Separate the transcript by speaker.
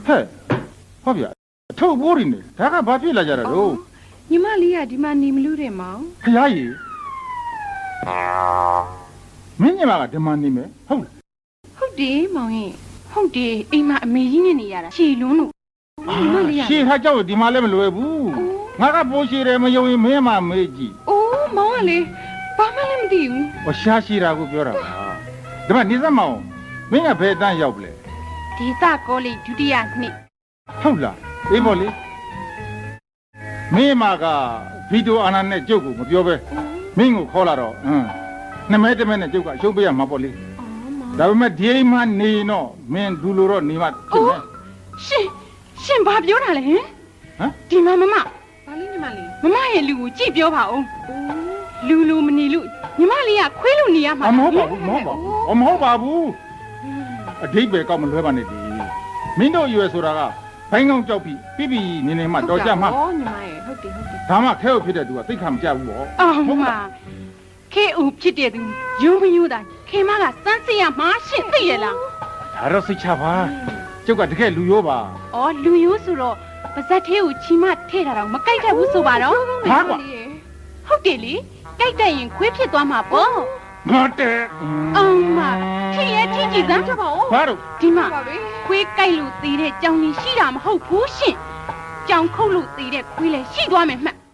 Speaker 1: 嘿，好别，臭玻璃呢，大家把别来家了喽。
Speaker 2: 你妈里呀，你妈你们留的吗？
Speaker 1: 哎呀姨，明年嘛，这嘛你们好了。
Speaker 2: 好的，毛爷，好的，哎妈，没人你呀了，谁弄了？你妈里呀？
Speaker 1: 谁他叫的嘛来没来不？我个不是的，没有没嘛没记。
Speaker 2: 哦，毛啊嘞，爸妈来没得哟。
Speaker 1: 我瞎西啦，我表了吧？对吧？你怎么？明年白单要不来？
Speaker 2: 第三个嘞，就这样呢。
Speaker 1: 好了，哎不嘞？没嘛个，非洲安那那照顾我表呗。没我考了咯，那没得没那照顾，小不要嘛不嘞？ဒါပေမဲ့ဒီမှနေတော့မင်းဒူလိုတော့နေမှဖြစ်မယ်
Speaker 2: ရှင်ဘာပြောတာလဲဟမ်ဒီမှာမမဘာလေးညီမလေးမမရဲ့လူကိုကြည့်ပြောပါဦးလူလူမနေလို့ညီမလေးကခွေးလို့နေရမှာ
Speaker 1: မဟုတ်ပါဘူးမဟုတ်ပါဘူးအဓိပ္ပာယ်ကောက်မလွဲပါနဲ့ဒီမင်းတို့ရွယ်ဆိုတာကဘိုင်းကောင်းကြောက်ပြီးပြနေနေမှတော်ကြမှာ
Speaker 2: ဩညီမရဲ့ဟုတ်တယ်
Speaker 1: ဒါမှခဲဟုတ်ဖြစ်တဲ့သူကသိခါမကြဘူးပေါ့
Speaker 2: ဟုတ်မှာခဲဦးဖြစ်တဲ့သူယုံမယုံတာခေမကစမ်းစစ်ရမှာရှင့်သိရလား
Speaker 1: ဒါတော့စိတ်ချပါကျုပ်ကတကယ်လူရိုးပါ
Speaker 2: ဩလူရိုးဆိုတော့ပါဇက်သေးကိုချီမထဲ့တာတော့မကြိုက်တတ်ဘူးဆိုပါတော့
Speaker 1: ဟာကွာ
Speaker 2: ဟုတ်တယ်လေကြိုက်တတ်ရင်ခွေးဖြစ်သွားမှာပေါ့
Speaker 1: ငါတဲ့
Speaker 2: မထည့်ရထည့်ကြည့်စမ်းကြပါဦး
Speaker 1: ဘာလို့
Speaker 2: ဒီမှာခွေးကြိုက်လို့သေးတဲ့ကြောင်ကြီးရှိတာမဟုတ်ဘူးရှင့်ကြောင်ခုတ်လို့သေးတဲ့ခွေးလည်းရှိသွားမယ်မှတ်